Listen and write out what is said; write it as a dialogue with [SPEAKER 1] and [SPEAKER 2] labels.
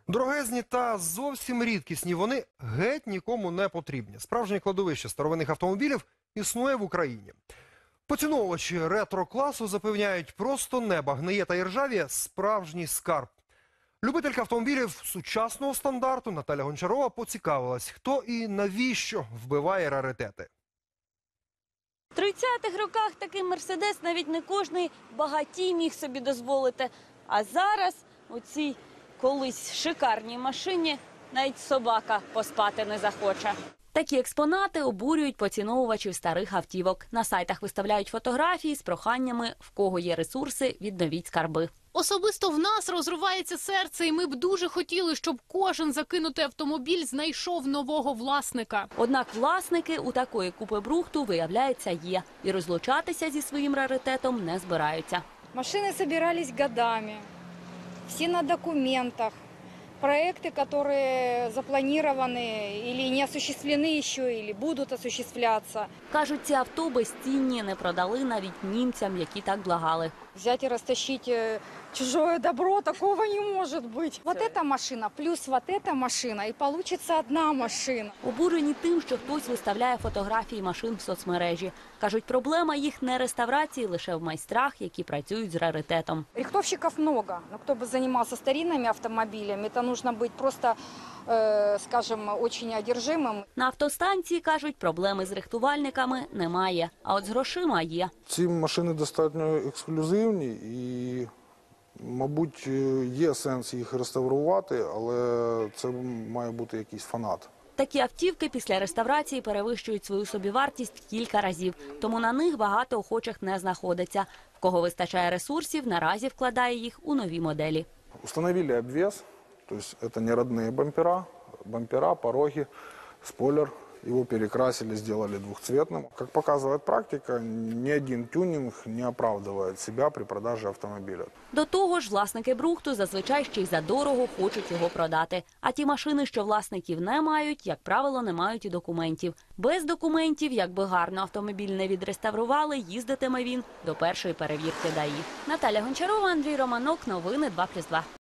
[SPEAKER 1] Дорогезні та зовсім рідкісні, вони геть нікому не потрібні. Справжнє кладовище старовинних автомобілів існує в Україні. Поціновувачі ретро-класу запевняють, просто неба гниє та іржавіє – справжній скарб. Любителька автомобілів сучасного стандарту Наталя Гончарова поцікавилась, хто і навіщо вбиває раритети.
[SPEAKER 2] В 30-х роках такий «Мерседес» навіть не кожний багатій міг собі дозволити. А зараз у цій колись шикарній машині навіть собака поспати не захоче. Такі експонати обурюють поціновувачів старих автівок. На сайтах виставляють фотографії з проханнями, в кого є ресурси, відновіть скарби.
[SPEAKER 3] Особисто в нас розривається серце, і ми б дуже хотіли, щоб кожен закинутий автомобіль знайшов нового власника.
[SPEAKER 2] Однак власники у такої купи брухту, виявляється, є. І розлучатися зі своїм раритетом не збираються.
[SPEAKER 4] Машины собирались годами, все на документах. Проекты, которые запланированы или не осуществлены еще, или будут осуществляться.
[SPEAKER 2] Кажуть, ці авто безцінні, не продали навіть німцям, які так благали.
[SPEAKER 4] Взять и растащить чужое добро, такого не может быть. Вот эта машина плюс вот эта машина, и получится одна машина.
[SPEAKER 2] Обурені тим, що хтось виставляє фотографії машин в соцмережі. Кажуть, проблема їх не реставрації, лише в майстрах, які працюють з раритетом.
[SPEAKER 4] Рихтовщиков много, но кто бы занимался старинными автомобилями, это нужно быть просто, скажем, очень одержимым.
[SPEAKER 2] На автостанції, кажуть, проблеми з рихтувальниками немає, а от з грошима є.
[SPEAKER 5] Ці машини достатньо ексклюзивні і, мабуть, є сенс їх реставрувати, але це має бути якийсь фанат.
[SPEAKER 2] Такі автівки після реставрації перевищують свою собівартість в кілька разів, тому на них багато охочих не знаходиться. В кого вистачає ресурсів, наразі вкладає їх у нові моделі.
[SPEAKER 5] Установили обвес, то есть это не родные бампера, пороги, спойлер. Его перекрасили, сделали двухцветным. Как показывает практика, ни один тюнинг не оправдывает себя при продаже автомобиля.
[SPEAKER 2] До того ж, власники брухту зазвичай ще й задорого хочуть його продати. А ті машини, що власників не мають, як правило, не мають і документів. Без документів, якби гарно автомобіль не відреставрували, їздитиме він до першої перевірки ДАІ. Наталя Гончарова, Андрій Романок, новини 2+2.